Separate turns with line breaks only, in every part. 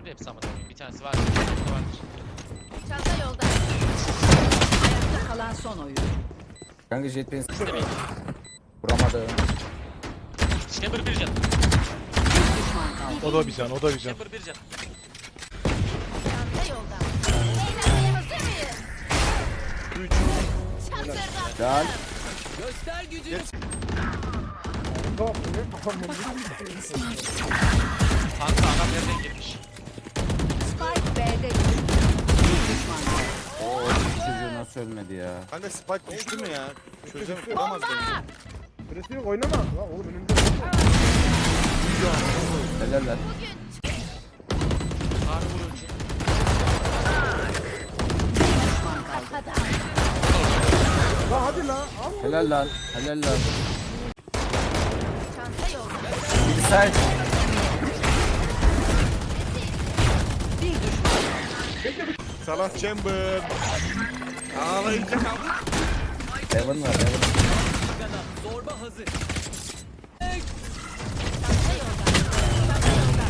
Öldü hepsi ama tabii. Bir tanesi var. Bir tanesi vardır.
Çanta yolda.
Ayakta kalan son oyun.
Kanka jetpack'in
İstemeyin.
vuramadı.
Chamber 1 can.
Bir düşman kaldı.
O da bir can, o da bir can.
Chamber 1 can.
Çanta yolda. Eğlenmeye hazır mıyız?
3.
Çantırdan.
Lan.
Kanka adam nereden girmiş?
Spike B'de düştü. Bir düşman kaldı.
Oo çocuğu nasıl ölmedi ya.
Kanka spike düştü mü ya? Çözemem, kuramaz bence.
Süresi yok oynama. Lan oğlum önümde.
Helal lan.
Harbi vurucu.
Düşman kaldı.
Lan hadi lan. Al.
Helal lan. Helal lan.
Çanta yolda.
Bilgisayar.
Bir düşman.
Salah Chamber. Ağlayınca kaldı.
Heaven var Heaven.
Çanta yolda. Çanta yolda.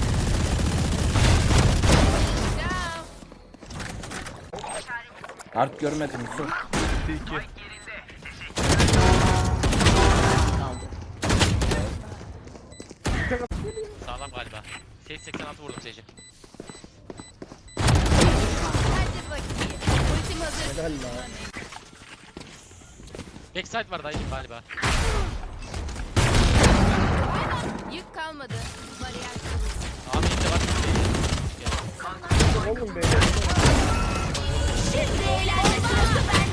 Ciao.
Art görmedim Yusuf.
2.
Kaldı.
Sağlam galiba. Sage 86 vurdum Sage'e.
Hadi bakayım. Ultim hazır.
Helal lan.
Backside var dayıcım galiba.
Yük kalmadı. Bariyer
Amin de var.
Oğlum beyler.
Şimdi eğlence sırası bende.